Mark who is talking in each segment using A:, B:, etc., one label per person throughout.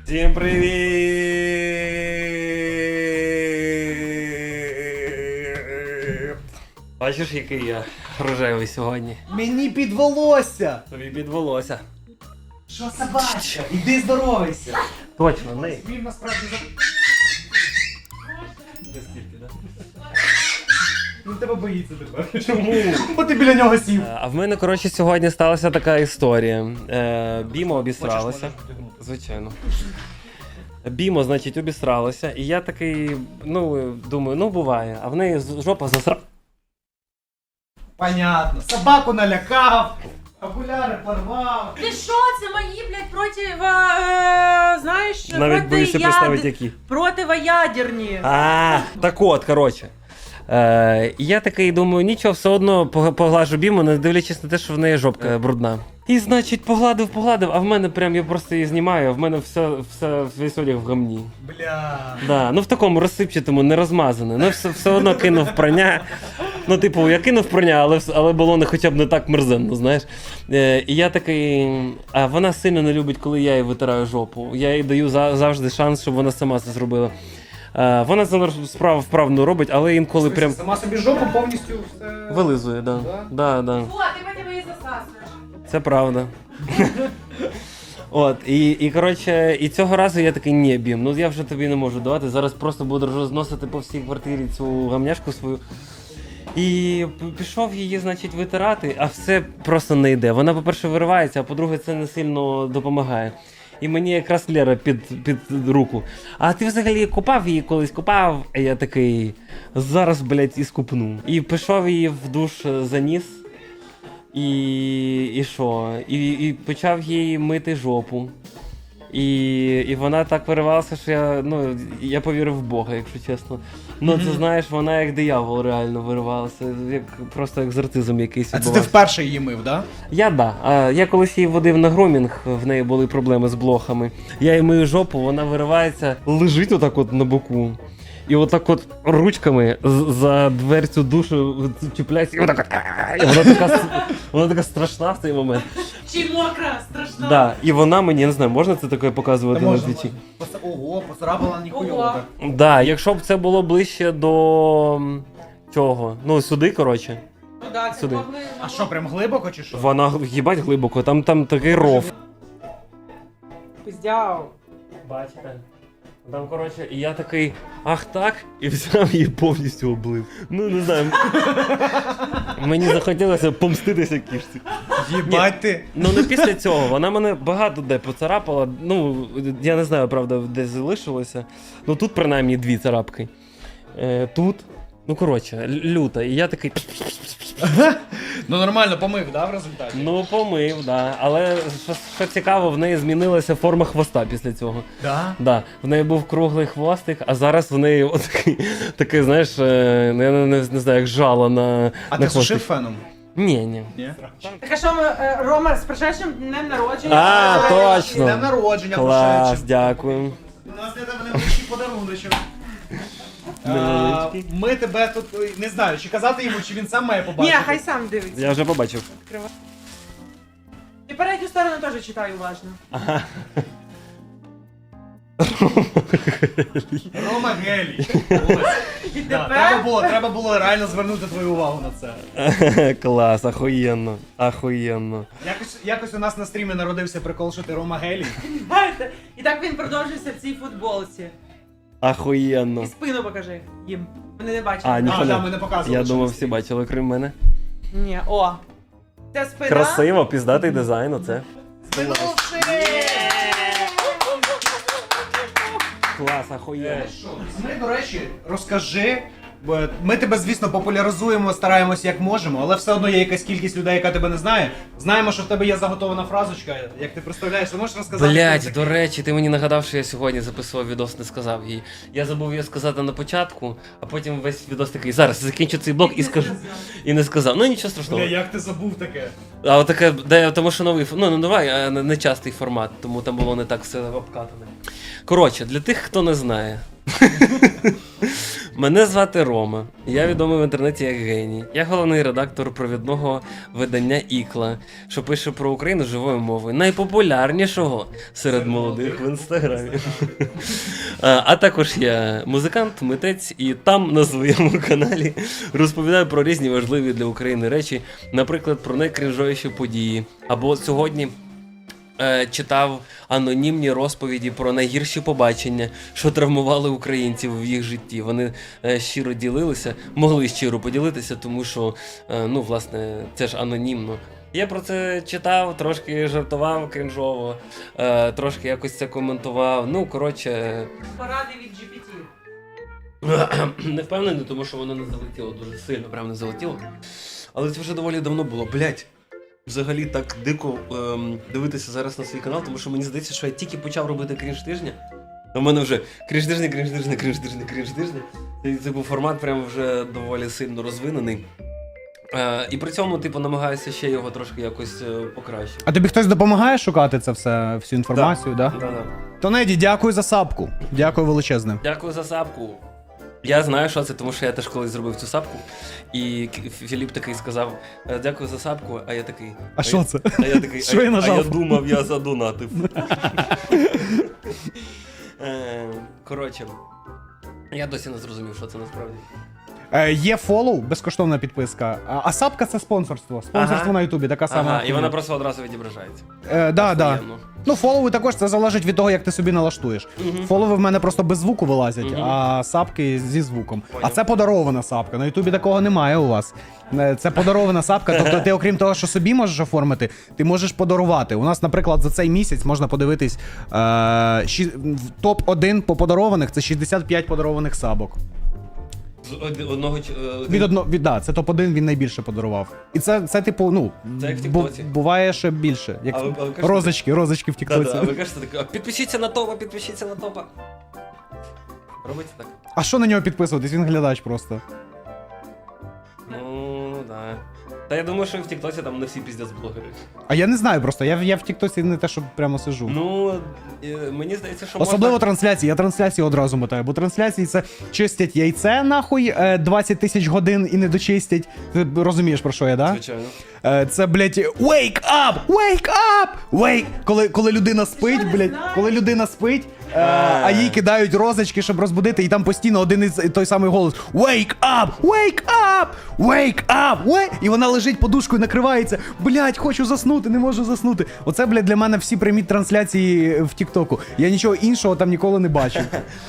A: Всім привіт! Бачиш, який я рожевий сьогодні?
B: Мені під волосся!
A: Тобі під волосся.
B: Що собачка? Іди здоровайся!
A: Точно, не.
B: Він насправді Він тебе боїться тепер.
A: Чому?
B: Бо ти біля нього сів.
A: А в мене, коротше, сьогодні сталася така історія. Бімо обісралася. Звичайно. Бімо, значить, обісралася. І я такий, думаю, буває. А в неї жопа засра...
B: Понятно. Собаку налякав, окуляри порвав.
C: Ти що, це мої, блядь, знаєш,
A: Навіть боюся представити, які.
C: противоядерні.
A: Так от, коротше. І я такий думаю, нічого, все одно поглажу Біму, не дивлячись на те, що в неї жопка брудна. І, значить, погладив, а в мене прям, я просто її знімаю, а в мене весь одяг в гамні.
B: Бля.
A: Да, в такому розсипчатому, не розмазане. Все одно кинув прання. Я кинув прання, але було хоча б не так мерзенно, знаєш. І я такий, а вона сильно не любить, коли я їй витираю жопу. Я їй даю завжди шанс, щоб вона сама це зробила. Вона це справу вправно робить, але інколи прям...
B: Сама собі жопу повністю все...
A: Вилизує, да. Да.
C: О, ти мене її засасуєш.
A: Це правда. От, і коротше, і цього разу я такий, ні, Бім, я вже тобі не можу давати, зараз просто буду розносити по всій квартирі цю гамняшку свою. І пішов її, значить, витирати, а все просто не йде. Вона, по-перше, виривається, а по-друге, це не сильно допомагає. І мені якраз Лера під руку. А ти взагалі купав її колись? Купав? А я такий, зараз, блядь, і скупну. І пішов її в душ заніс. І що? І почав їй мити жопу. І вона так виривалася, що я повірив в Бога, якщо чесно. Це, знаєш, вона як диявол реально виривалася, просто екзорцизм якийсь
B: А це ти
A: відбувався.
B: вперше її мив, да?
A: Я колись її водив на грумінг, в неї були проблеми з блохами. Я їй мию жопу, вона виривається, лежить отак от на боку. І отак от ручками за дверцю душу чіпляється, і отак от. Вона така страшна в цей момент.
C: Чи мокра, страшна.
A: Да, і вона мені, я не знаю, можна це таке показувати на твічі?
B: Ого, поцарапала ніхуйово
C: Ого.
B: так.
A: Да, якщо б це було ближче до чого? Сюди, коротше.
C: Ну да, це
A: Сюди.
C: могли.
B: А що, прям глибоко чи що?
A: Вона їбать глибоко, там такий ров.
C: Пиздяв.
A: Бачите? Там, коротше, і я такий, ах так, і взяв її повністю облив. Не знаю. Мені захотілося помститися кішці.
B: Їбать ти.
A: Не після цього, вона мене багато де поцарапала, я не знаю, правда, де залишилося. Тут принаймні 2 царапки. Тут, коротше, люта, і я такий...
B: Нормально помив, да, в результаті?
A: Помив, да. Але що цікаво, в неї змінилася форма хвоста після цього.
B: Да?
A: Да. В неї був круглий хвостик, а зараз в неї такий, знаєш, я не знаю, як жало на
B: А
A: на
B: ти сушив
A: хвостик.
B: феном?
A: Ні.
B: Ні?
C: Так а що ми, Рома, з прошедшим днем народження.
A: Точно.
B: Днем народження,
A: Клас,
B: прошедшим.
A: дякую.
B: У нас для тебе невеличкий подаруночок.
A: Невеличкий.
B: Ми тебе тут, не знаю, чи казати йому, чи він сам має
C: Ні,
B: побачити.
C: хай сам дивиться.
A: Я вже побачив.
C: І передню сторону теж читаю уважно.
B: Рома Гелій.
C: І
B: Да,
C: тепер...
B: треба було реально звернути твою увагу на це.
A: Клас, ахуєнно.
B: Якось у нас на стрімі народився прикол, що ти Рома Гелій.
C: Знаєте, і так він продовжується в цій футболці.
A: Ахуєнно.
C: І спину покажи їм. Вони не бачать.
A: А, ні.
B: А, да, ми не показували.
A: Я
B: що
A: думав,
B: на
A: всі
B: стрімі.
A: бачили, крім мене.
C: Ні, о. Це спина.
A: Красиво, піздатий дизайн, оце. Клас, ахуєнно.
B: Ми, до речі, розкажи. Бо ми тебе, звісно, популяризуємо, стараємося як можемо, але все одно є якась кількість людей, яка тебе не знає. Знаємо, що в тебе є заготована фразочка, як ти представляєш, ти можеш розказати?
A: Блять, до речі, ти мені нагадав, що я сьогодні записував відос, не сказав їй. Я забув її сказати на початку, а потім весь відос такий, зараз закінчу цей блок і скажу. І не сказав. Нічого страшного.
B: Бля, як ти забув таке?
A: А отаке, тому що новий, давай, не частий формат, тому там було не так все обкатане. Коротше, для тих, хто не знає. Мене звати Рома. Я відомий в інтернеті як геній. Я головний редактор провідного видання Ікла, що пише про Україну живою мовою, найпопулярнішого серед молодих в інстаграмі. А також я музикант, митець, і там на своєму каналі розповідаю про різні важливі для України речі, наприклад, про найкрінжовіші події. Або сьогодні читав анонімні розповіді про найгірші побачення, що травмували українців в їх житті. Вони щиро ділилися, могли щиро поділитися, тому що, ну, власне, це ж анонімно. Я про це читав, трошки жартував крінжово, трошки якось це коментував. Ну, коротше,
C: Поради від GPT.
A: не впевнений, тому що воно не залетіло дуже сильно, прям не залетіло. Але це вже доволі давно було. Блять. Взагалі так дико дивитися зараз на свій канал, тому що мені здається, що я тільки почав робити крінж тижня. У мене вже крінж тижня. Цей типу формат прям вже доволі сильно розвинений. І при цьому, типу, намагаюся ще його трошки якось покращити.
B: А тобі хтось допомагає шукати це все, всю інформацію, да?
A: Да-да.
B: Тонеді, дякую за сапку. Дякую величезне.
A: Дякую за сапку. Я знаю, що це, тому що я теж колись зробив цю сапку. І Філіп такий сказав: дякую за сапку, а я такий.
B: А що це?
A: А я такий,
B: Що я нажав?
A: А я думав, я задонатив. Коротше, я досі не зрозумів, що це насправді.
B: Є фоллоу, безкоштовна підписка. А сапка це спонсорство. Спонсорство на Ютубі, така сама.
A: Ага, і вона просто одразу відображається.
B: Да.
A: Охуєнно.
B: Ну, фоллови також, це залежить від того, як ти собі налаштуєш. Фоллови в мене просто без звуку вилазять, а сапки зі звуком. А
A: Поняв.
B: це подарована сапка. На Ютубі такого немає у вас. Це подарована сапка, тобто ти, окрім того, що собі можеш оформити, ти можеш подарувати. У нас, наприклад, за цей місяць можна подивитись топ-1 по подарованих, це 65 подарованих сапок. Да, це топ-1, він найбільше подарував. І це типу, ну,
A: Це як в Тіктоці.
B: буває ще більше. Як
A: А ви кажете-
B: розочки в Тіктоці.
A: Да-да, ви кажете так, підпишіться на топа. Робите так?
B: А що на нього підписуватись? Він глядач просто.
A: Ну, да. Та я думаю, що і в Тіктоці там не всі піздець блогери.
B: А я не знаю просто, я в Тіктоці не те, що прямо сиджу.
A: Ну, мені здається, що
B: Особливо
A: можна...
B: трансляції, я трансляції одразу мотаю, бо трансляції це чистять яйце нахуй 20 тисяч годин і не дочистять. Ти розумієш, про що я, да?
A: Звичайно.
B: Це, блядь, wake up! Wake up! Коли людина спить,
C: Що не
B: блядь,
C: знаєш?
B: коли людина спить, а їй кидають розочки, щоб розбудити, і там постійно один і той самий голос: Wake up! Wake up! Wake up! І вона лежить подушкою, накривається. Блядь, хочу заснути, не можу заснути. Оце, блядь, для мене всі прямі трансляції в Тіктоку. Я нічого іншого там ніколи не бачив.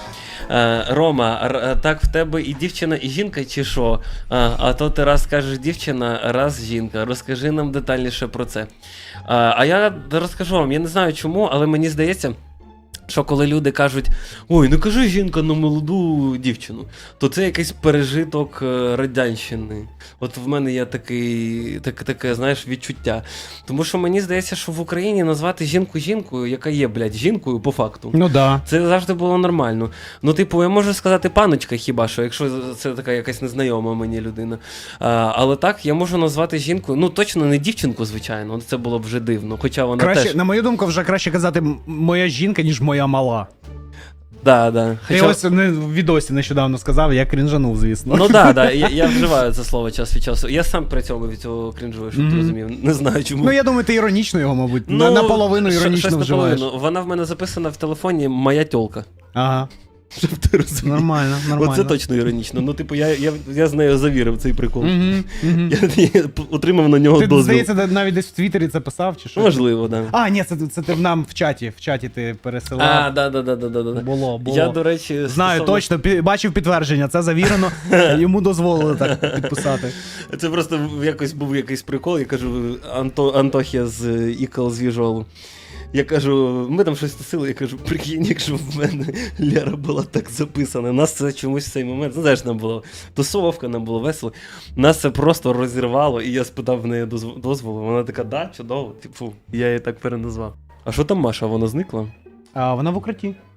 A: Рома, так в тебе і дівчина, і жінка, чи що? А то ти раз кажеш дівчина, раз жінка. Розкажи нам детальніше про це. А я розкажу вам, я не знаю чому, але мені здається, що коли люди кажуть: ой, не кажи жінка на молоду дівчину, то це якийсь пережиток радянщини. От в мене є таке, знаєш, відчуття. Тому що мені здається, що в Україні назвати жінку жінкою, яка є, блядь, жінкою по факту.
B: Ну да.
A: Це завжди було нормально. Ну, типу, я можу сказати паночка хіба що, якщо це така якась незнайома мені людина. Але так, я можу назвати жінкою, ну точно не дівчинку, звичайно, це було б вже дивно. Хоча вона
B: Краще,
A: теж...
B: на мою думку, вже краще казати моя жінка, ніж моя мала.
A: Да.
B: Я
A: Хоча...
B: ось в відосі нещодавно сказав, я крінжанув, звісно.
A: Ну да, я вживаю це слово час від часу. Я сам при цьому від цього крінжую, щоб ти розумів. Не знаю чому.
B: Ну я думаю, ти іронічно його, мабуть, наполовину іронічно
A: щось
B: вживаєш.
A: наполовину. Вона в мене записана в телефоні «Моя тьолка».
B: Ага.
A: Щоб ти розумів.
B: Нормально.
A: Оце точно іронічно. Ну, типу, я з нею завірив цей прикол.
B: Мгм.
A: Я отримав на нього
B: Ти,
A: дозвіл.
B: здається, навіть десь в Твіттері це писав, чи що?
A: Можливо, так. Да.
B: А, ні, це ти нам в чаті ти пересилав.
A: Да.
B: Було.
A: Я, до речі,
B: Знаю, точно, бачив підтвердження, це завірено, йому дозволили так підписати.
A: Це просто був якийсь прикол, я кажу, Антохія з Ікл з Віжолу. Я кажу, ми там щось тусили, я кажу, прикинь, якщо в мене Лера була так записана. Нас це чомусь в цей момент, ну знаєш, нам була тусовка, нам було весело. Нас це просто розірвало, і я спитав в неї дозволу. Вона така, да, чудово, типу, я її так переназвав. А що там Маша, вона зникла?
B: А вона в укритті.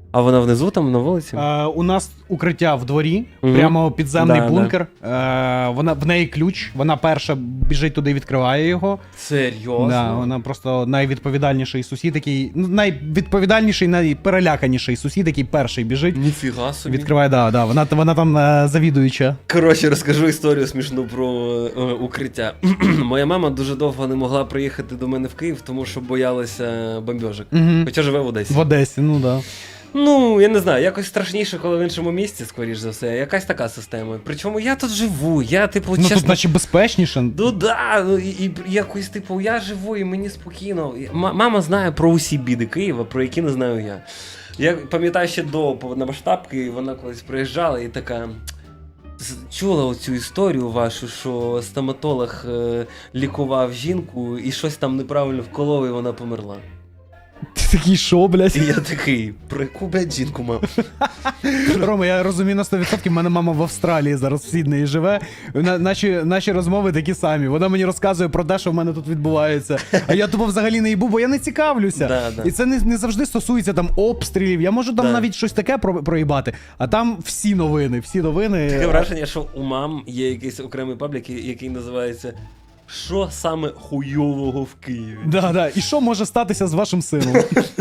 A: А вона внизу там на вулиці?
B: У нас укриття в дворі,
A: Мгм.
B: прямо підземний
A: Да,
B: бункер. В неї ключ, вона перша біжить туди і відкриває його.
A: Серйозно?
B: Да, вона просто найвідповідальніший сусід, який. Ну, найвідповідальніший, найпереляканіший сусід, який перший біжить.
A: Ніфіга собі.
B: Відкриває, да. Вона там завідуюча.
A: Коротше, розкажу історію смішну про укриття. Моя мама дуже довго не могла приїхати до мене в Київ, тому що боялася бомбьожок.
B: Угу.
A: Хоча живе в Одесі.
B: В Одесі, ну да.
A: Ну, я не знаю, якось страшніше, коли в іншому місці, скоріш за все. Якась така система. Причому я тут живу, я, типу,
B: Ну
A: чесно...
B: тут наче безпечніше.
A: Ну да, і якось, типу, я живу і мені спокійно. Мама знає про усі біди Києва, про які не знаю я. Я пам'ятаю ще до повномасштабки, вона колись приїжджала і така... Чула оцю історію вашу, що стоматолог лікував жінку і щось там неправильно вколов, і вона померла.
B: Ти такий шо, блядь?
A: І я такий, про яку, блядь, жінку мав?
B: Рома, я розумію на 100%, в мене мама в Австралії зараз в Сіднеї живе. Наші розмови такі самі. Вона мені розказує про те, що в мене тут відбувається. А я тупо взагалі не їбу, бо я не цікавлюся.
A: Да.
B: І це не завжди стосується там обстрілів. Я можу там навіть щось таке проїбати, а там всі новини.
A: Таке враження, що у мам є якийсь окремий паблік, який називається «Що саме хуйового в Києві?».
B: Да. І що може статися з вашим сином?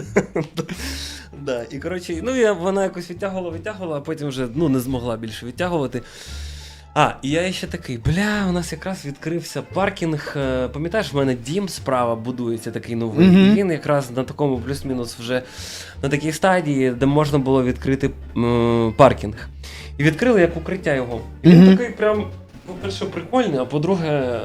A: Да, і коротше, вона якось відтягувала, а потім вже не змогла більше відтягувати. І я ще такий, у нас якраз відкрився паркінг. Пам'ятаєш, в мене дім справа будується такий новий. І він якраз на такому плюс-мінус вже на такій стадії, де можна було відкрити паркінг. І відкрили як укриття його. І він такий прям, по-перше, прикольний, а по-друге,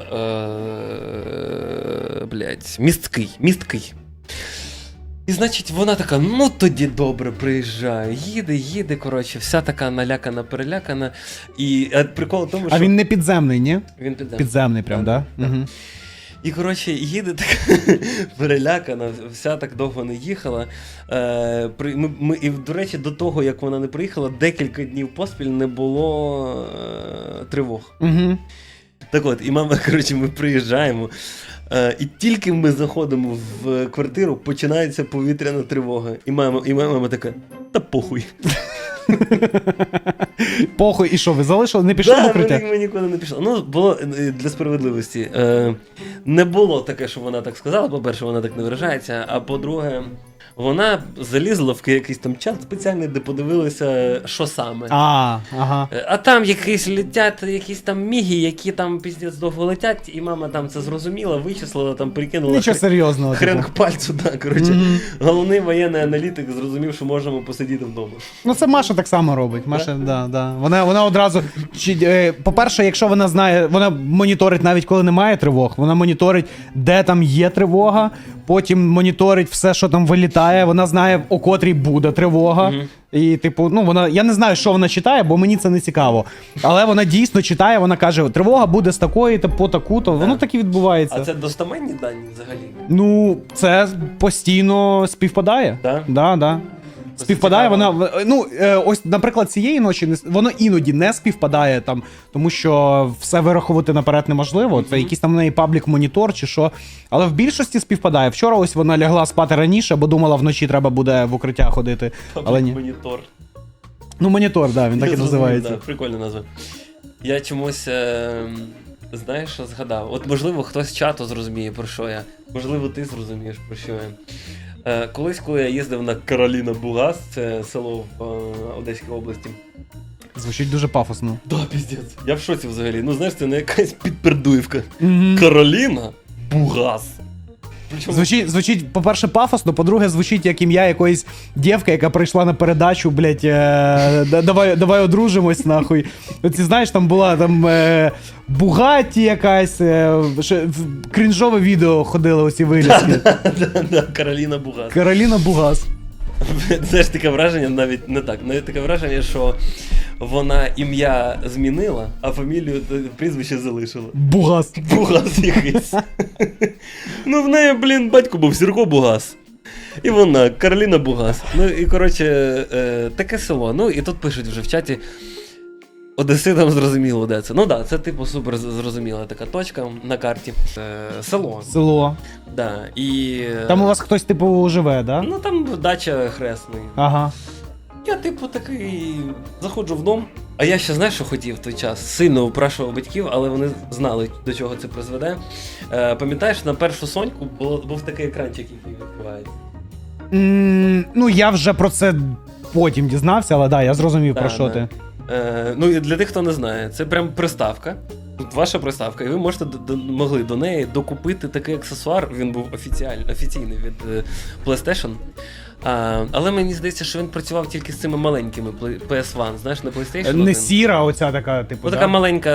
A: місткий. І, значить, вона така, ну тоді добре, приїжджаю, їде, коротше, вся така налякана-перелякана. І прикол в тому, що...
B: А він не підземний, ні?
A: Він підземний.
B: Підземний прям, да? Угу.
A: І, коротше, їде така перелякана, вся так довго не їхала. І, до речі, до того, як вона не приїхала, декілька днів поспіль не було тривог.
B: Угу.
A: Так от, і мама, коротше, ми приїжджаємо. І тільки ми заходимо в квартиру, починається повітряна тривога. І мама така, та похуй.
B: Похуй, і що, ви залишили? Не пішли в укриття?
A: Ми нікуди не пішли. Ну, було для справедливості. Не було таке, що вона так сказала. По-перше, вона так не виражається. А по-друге, вона залізла в якийсь там чат спеціальний, де подивилася, що саме.
B: Ага.
A: А там летять якісь там міги, які там піздець довго летять, і мама там це зрозуміла, вичислила, там прикинула.
B: Нічого серйозного.
A: Хрен к пальцю, да, коротше. Головний воєнний аналітик зрозумів, що можемо посидіти вдома.
B: Ну це Маша так само робить. Маша, да. Вона одразу. По-перше, якщо вона знає, вона моніторить навіть коли немає тривог, вона моніторить, де там є тривога, потім моніторить все, що там вилітає, вона знає, о котрій буде тривога. І, типу, я не знаю, що вона читає, бо мені це не цікаво. Але вона дійсно читає, вона каже, тривога буде з такої, по таку-то. Воно так і відбувається.
A: А це достаменні дані взагалі?
B: Ну, це постійно співпадає. Да. Співпадає, вона, ось, наприклад, цієї ночі воно іноді не співпадає там, тому що все вирахувати наперед неможливо. Це якийсь там в неї паблік-монітор чи що. Але в більшості співпадає. Вчора ось вона лягла спати раніше, бо думала, вночі треба буде в укриття ходити. Але ні.
A: Монітор.
B: Ну, монітор, да, він так і називається.
A: Да, прикольна назва. Я чомусь, знаєш, що згадав? От, можливо, хтось з чату зрозуміє, про що я. Можливо, ти зрозумієш, про що я. Колись, коли я їздив на Кароліна Бугас, це село в Одеській області.
B: Звучить дуже пафосно.
A: Да, піздець. Я в шоці взагалі. Ну, знаєш, це не якась підпердуївка. Кароліна Бугас.
B: Звучить, по-перше, пафосно, по-друге, звучить як ім'я якоїсь дівки, яка прийшла на передачу, блять, давай одружимось, нахуй. Оці, знаєш, там була Бугатті якась, крінжове відео ходили оці вилізки.
A: Да, Кароліна Бугас.
B: Кароліна Бугас.
A: Знаєш, таке враження, навіть не так. Навіть таке враження, що вона ім'я змінила, а фамілію, прізвище залишила.
B: Бугас.
A: Бугас якийсь. Ну, в неї, батько був Сірко Бугас. І вона, Кароліна Бугас. Ну, і, коротше, таке село. Ну, і тут пишуть вже в чаті, одеситам зрозуміло, де це. Ну, да, це, типу, супер зрозуміла така точка на карті. Село.
B: Село.
A: Да, і...
B: Там у вас хтось, типу, живе, да?
A: Ну, там дача Хресний.
B: Ага.
A: Я, типу, такий заходжу в дом. А я ще, знаєш, що хотів в той час? Сильно упрашував батьків, але вони знали, до чого це призведе. Пам'ятаєш, на першу Соньку був такий екранчик, який відкривається.
B: Ну, я вже про це потім дізнався, але да, я зрозумів, про що ти.
A: Ну і для тих, хто не знає, це прям приставка. Тут ваша приставка, і ви можете могли до неї докупити такий аксесуар. Він був офіційний від PlayStation. Але мені здається, що він працював тільки з цими маленькими PS1, знаєш, на PlayStation.
B: Не сіра, оця така, типу.
A: Ось така маленька.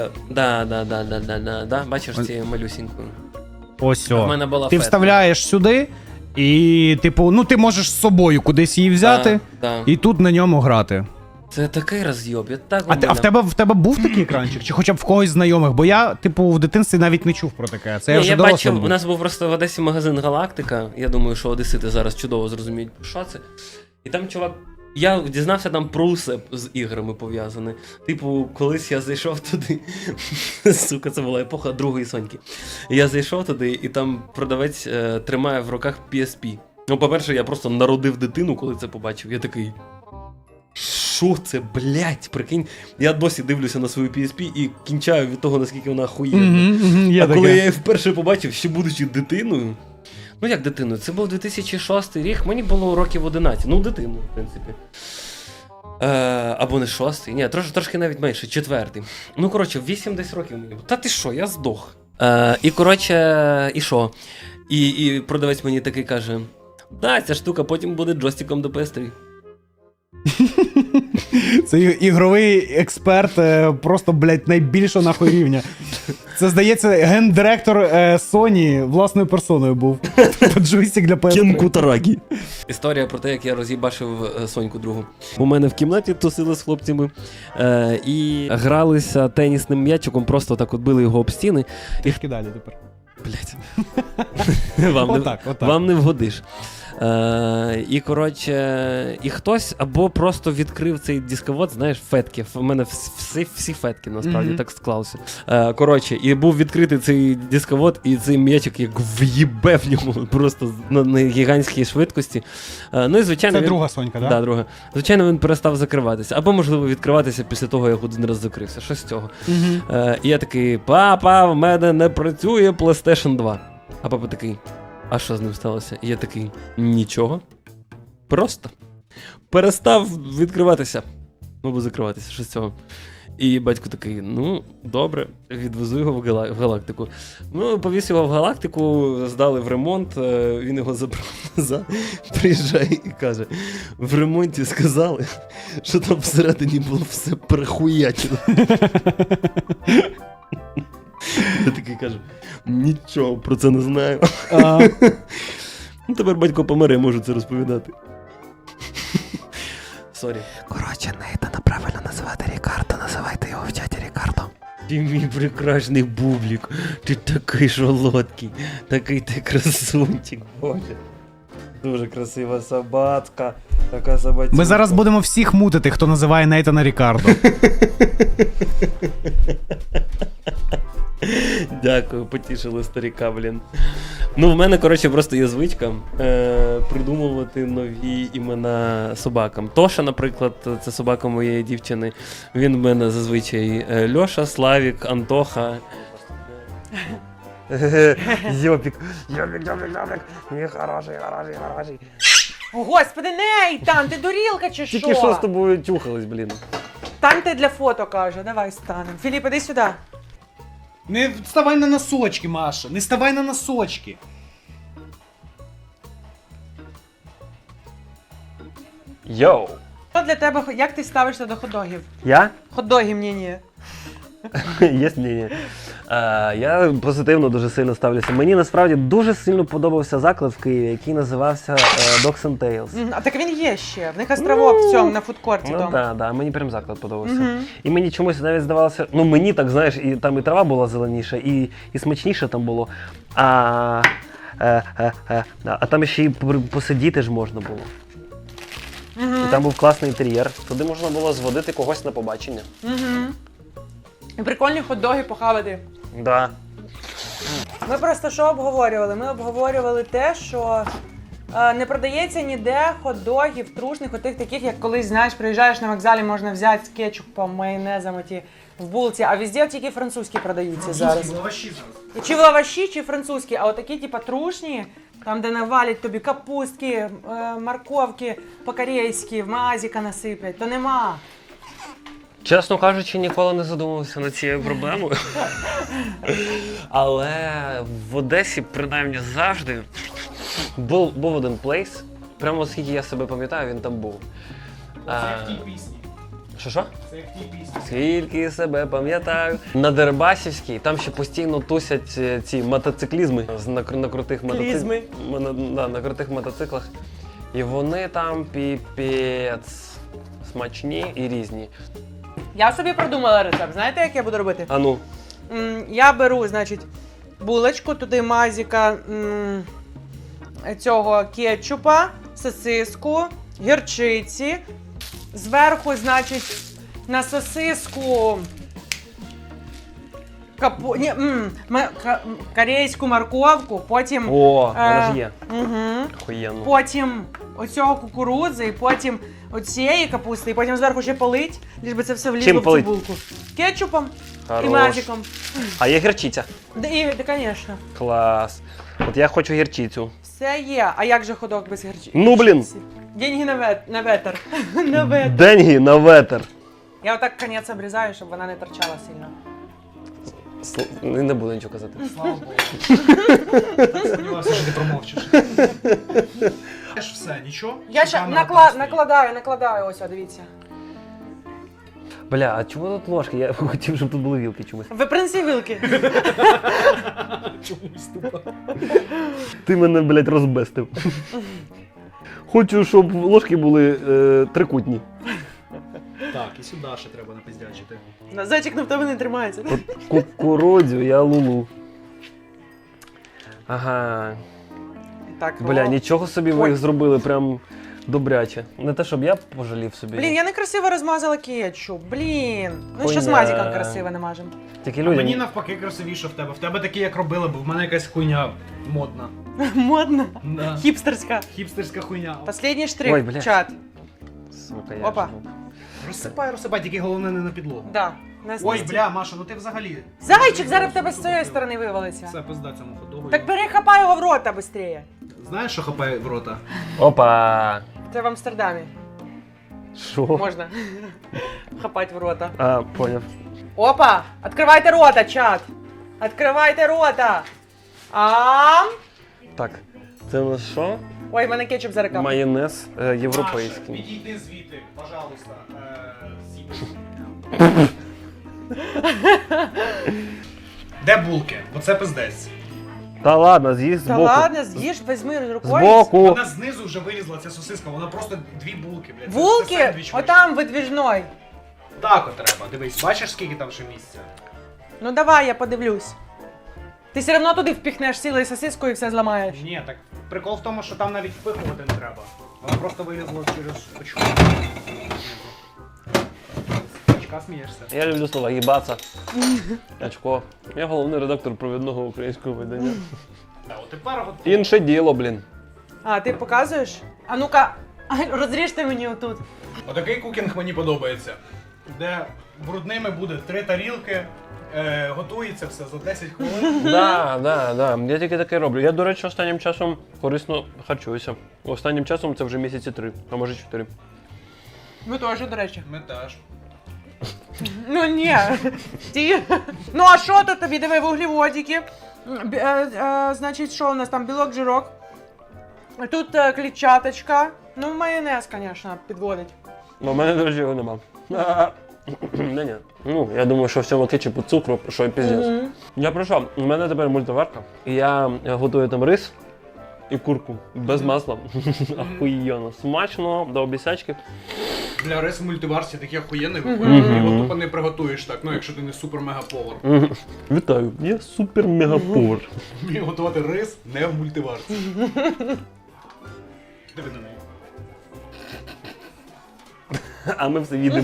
A: Да, бачиш цією малюсінькою.
B: Ось
A: В
B: о.
A: мене була
B: Ти
A: фетка.
B: вставляєш сюди, і, типу, ну ти можеш з собою кудись її взяти,
A: Да.
B: і тут на ньому грати.
A: Це такий роз'єб, я так
B: А в тебе був такий екранчик? Чи хоча б в когось знайомих? Бо я, типу, в дитинстві навіть не чув про таке. Це я вже дорослим
A: бачив,
B: був.
A: у нас був просто в Одесі магазин Галактика. Я думаю, що одесити зараз чудово зрозуміють, що це. І там чувак. Я дізнався там про усе з іграми пов'язане. Типу, колись я зайшов туди. Сука, це була епоха другої Соньки. Я зайшов туди, і там продавець тримає в руках PSP. Ну, по-перше, я просто народив дитину, коли це побачив. Я такий. Що це, блять, прикинь? Я досі дивлюся на свою PSP і кінчаю від того, наскільки вона охуєнна. А коли я її вперше побачив, ще будучи дитиною. Ну як дитиною? Це був 2006 рік, мені було років 11. Ну, дитину, в принципі. Або не 6-й, ні, трошки навіть менше, 4-й. Ну, коротше, 8 десь років мені було. Та ти що, я здох. І, коротше, і що? І продавець мені такий каже: да, ця штука потім буде джойстиком до PS3.
B: Це ігровий експерт просто, блядь, найбільшого нахуй рівня. Це, здається, гендиректор Sony власною персоною був. Джойстик для PS3.
A: Кенку Тарагі. Історія про те, як я роз'їбашив Соньку другу. У мене в кімнаті тусили з хлопцями і гралися тенісним м'ячиком, просто так от били його об стіни.
B: Трішки далі тепер.
A: Блять.
B: Отак.
A: Вам не вгодиш. І, коротше, і хтось або просто відкрив цей дисковод, знаєш, фетки. У мене всі фетки, насправді, так склалося. Коротше, і був відкритий цей дисковод, і цей м'ячик як в'їбе в ньому просто на гігантській швидкості. Ну і, звичайно,
B: Це друга Сонька, так?
A: Да, друга. Звичайно, він перестав закриватися. Або, можливо, відкриватися після того, як один раз закрився. Щось з цього. І я такий: папа, в мене не працює PlayStation 2. А папа такий: а що з ним сталося? І я такий: нічого. Просто перестав відкриватися. Або закриватися, що з цього. І батько такий: ну, добре, відвезу його в Галактику. Ну, повіз його в Галактику, здали в ремонт, він його забрав назад, приїжджає і каже: в ремонті сказали, що там всередині було все перехуячено. Я такий кажу: нічого про це не знаю. Ну, тепер батько помре, можу це розповідати. Сорі. Коротше, Нейтана правильно називати Рікардо, називайте його в чаті Рікардо. Ти мій прекрасний бублік, ти такий солодкий, такий ти красунчик, боже. Дуже красива собачка, така собачка.
B: Ми зараз будемо всіх мутити, хто називає Нейтана Рікардо.
A: Дякую, потішили старіка, блін. Ну, в мене, коротше, просто є звичка придумувати нові імена собакам. Тоша, наприклад, це собака моєї дівчини. Він в мене зазвичай Льоша, Славік, Антоха. Йопік. Ні, хороший.
C: О, господи, Нейтан, ти дурілка чи що?
A: Тільки що з тобою тюхались, блін.
C: Станьте для фото, каже, давай станемо. Філіп, іди сюди.
B: Не ставай на носочки, Маша, не ставай на носочки.
A: Йоу.
C: Що для тебе, як ти ставишся до хот-догів?
A: Я?
C: Хот-доги ні.
A: Є мнення. Я позитивно дуже сильно ставлюся. Мені насправді дуже сильно подобався заклад в Києві, який називався Dogs and Tales.
C: А так він є ще. В них островок в цьому, на фудкорті.
A: Ну так, мені прям заклад подобався. І мені чомусь навіть здавалося, ну мені так, знаєш, і там і трава була зеленіша, і смачніше там було. А там ще й посидіти ж можна було. І там був класний інтер'єр. Туди можна було зводити когось на побачення.
C: І прикольні хот-доги похавати.
A: Да.
C: Ми просто що обговорювали? Ми обговорювали те, що Не продається ніде хот-догів, трушних, отих таких, як колись, знаєш, приїжджаєш на вокзалі, можна взяти з кетчупом, майонезом оті в булці, а везде тільки французькі продаються зараз.
B: Лаваші зараз.
C: Чи в лаваші, чи французькі, а отакі, типа, трушні, там, де навалять тобі капустки, морковки по-корейськи, мазіка насиплять, то нема.
A: Чесно кажучи, ніколи не задумувався над цією проблемою. Але в Одесі, принаймні, завжди був один плейс. Прямо оскільки я себе пам'ятаю, він там був.
B: Це як в тій пісні.
A: Що?
B: Це як в тій пісні.
A: Скільки себе пам'ятаю. На Дерибасівській там ще постійно тусять ці мотоциклізми на крутих
C: Клізми.
A: на крутих мотоциклах. І вони там піпець смачні і різні.
C: Я собі продумала рецепт. Знаєте, як я буду робити?
A: А ну.
C: Я беру, значить, булочку, туди мазіка цього кетчупа, сосиску, гірчиці. Зверху, значить, на сосиску корейську морковку, потім...
A: О, вона ж є.
C: Угу.
A: Охуєнно.
C: Потім оцього кукурудзи, і потім оцієї капусти, і потім зверху ще полить, лиш би це все влізло
A: Чим
C: в цю
A: полить?
C: булку. Кетчупом
A: Хорош.
C: і мазиком.
A: А є гірчиця?
C: Да, звісно.
A: Клас. От я хочу гірчицю.
C: Все є. А як же ходок без гірчиці?
A: Ну, блін.
C: Деньги на ветер. На ветер.
A: Деньги на ветер.
C: Я отак конець обрізаю, щоб вона не торчала сильно.
A: Не буду нічого казати.
B: Слава Богу. Так сподівався, що ти промовчиш. Теж все, нічого?
C: Я
B: Чи
C: ще
B: камера там стоїть?
C: накладаю, ось, дивіться.
A: Бля, а чому тут ложки? Я хотів, щоб тут були вілки чомусь.
C: Ви принеси вилки.
B: Чомусь тупо.
A: Ти мене, блядь, розбестив. Хочу, щоб ложки були трикутні.
B: Так, і сюди ще треба напиздячити.
C: Зайчик на тебе не тримається.
A: От кукурудзю я лулу. Ага.
C: Так,
A: Бля, нічого собі ви
C: Ой.
A: їх зробили прям добряче. Не те, щоб я пожалів собі.
C: Блін, я некрасиво розмазала кетчуп. Блін. Ну що з
A: Хуйня.
C: мазиком красиво намажемо.
A: Тільки
B: А
A: людям...
B: мені навпаки красивіше в тебе. В тебе такі, як робили, бо в мене якась хуйня модна.
C: Модно.
B: Да.
C: Хіпстерська.
B: Хіпстерська хуйня.
C: Последній штрих.
A: Ой, блядь.
C: Чат.
A: Сука, я
C: Опа.
A: ж був.
B: Розсипай, тільки головне не на підлогу.
C: Да.
B: Ой, бля, Маша, ну ти взагалі.
C: Зайчик зараз в тебе з цієї сторони вивалиться.
B: Все, пизда цьому ходогу.
C: Так перехапай його в рота швидше.
B: Знаєш, що хапає в рота?
A: Опа!
C: Це в Амстердамі.
A: Що?
C: Можна. Хапать в рота.
A: А, поняв.
C: Опа! Откривайте рота, чат! Откривайте рота! Ам!
A: Так, це у нас що?
C: Ой, в мене кетчуп зараз капає.
A: Майонез
B: Маша,
A: європейський.
B: підійди звідти, пожалуйста. Де булки? Бо це пиздець.
A: Та ладно, з'їсть
C: Та
A: збоку.
C: ладно, з'їж, візьми рукою.
A: Збоку.
B: Вона знизу вже вилізла, ця сосиска, вона просто дві булки, блядь. Це
C: Булки?
B: сендвіч вийшов.
C: Отам видвіжной.
B: Так от треба, дивись, бачиш, скільки там ще місця?
C: Ну давай, я подивлюсь. Ти все одно туди впіхнеш цілою сосискою і все зламаєш.
B: Ні, так прикол в тому, що там навіть впихувати не треба. Вона просто вилізла через очко. Очка смієшся.
A: Я люблю слова їбаться. Очко. Я головний редактор провідного українського видання.
B: Так, от тепер от
A: Інше діло, блін.
C: А, ти показуєш? А ну-ка, розріжте мені отут.
B: Отакий кукінг мені подобається. Де брудними буде 3 тарілки, готується все за 10 хвилин.
A: Да. Я тільки таке роблю. Я, до речі, останнім часом корисно харчуюся. Останнім часом це вже місяці 3, а може 4.
C: Ми теж, до речі.
B: Ми теж.
C: Ну ні. Ті. Ну а що тут тобі? Диви, вуглеводики. Значить, що у нас там? Білок, жирок. Тут клітчаточка. Ну, майонез, звісно, підводить.
A: У мене, до речі, його нема. Ні. Ну, я думаю, що в цьому кетчупу цукру, що і піздець. Я прийшов, у мене тепер мультиварка. І я готую там рис і курку. Без масла. Ахуєнно. Смачно, до обіцячки.
B: Для рису мультиварсі такий охуєнний виходить. Ти його тупо не приготуєш так, ну якщо ти не супер-мега-повар.
A: Вітаю, я супер-мегаповар.
B: Вмію готувати рис не в мультиварці. Диви на неї.
A: А ми все їдемо.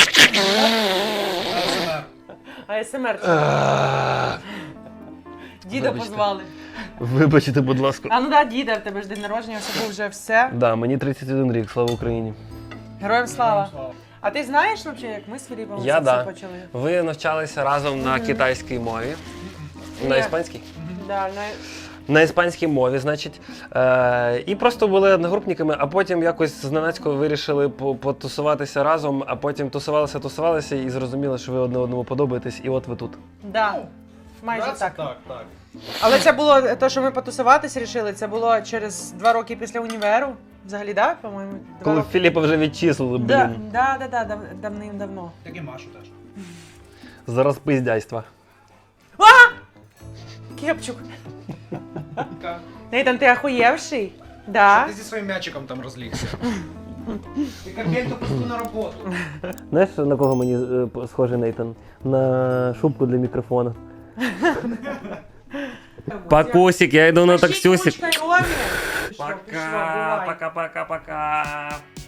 B: АСМР.
C: АСМР. Діда
A: Вибачте.
C: позвали.
A: Вибачте, будь ласка.
C: А ну да, діда, в тебе ж день народження, все був вже все.
A: Да, мені 31 рік, слава Україні.
C: Героям слава. А ти знаєш взагалі, як ми з Філіпом
A: Я
C: це
A: да.
C: все почали?
A: Ви навчалися разом на китайській мові. На
C: Ні.
A: іспанській?
C: Да,
A: На іспанській мові, значить. І просто були одногрупниками, а потім якось зненацько вирішили потусуватися разом, а потім тусувалися і зрозуміли, що ви одне одному подобаєтесь, і от ви тут.
C: да. Майже
B: Да, це
C: так.
B: так.
C: Але це було те, що ми потусуватися рішили, це було через 2 роки після універу. Взагалі, так, да, по-моєму? 2
A: Коли
C: роки.
A: Філіпа вже відчислили,
C: Да,
A: блін.
C: да, давним-давно.
B: Так і Машу теж.
A: Зараз пиздяйства.
C: Кепчук. Нейтан, ти охуєвший? Да.
B: Ти зі своїм м'ячиком там розлігся. Ти кабельту пусту на роботу.
A: Знаєш, на кого мені схожий Нейтан? На шубку для мікрофона. Пакусик, я йду на таксюсик.
C: Пишіть ручкою, Ромі.
A: Пока, пока, пока, пока.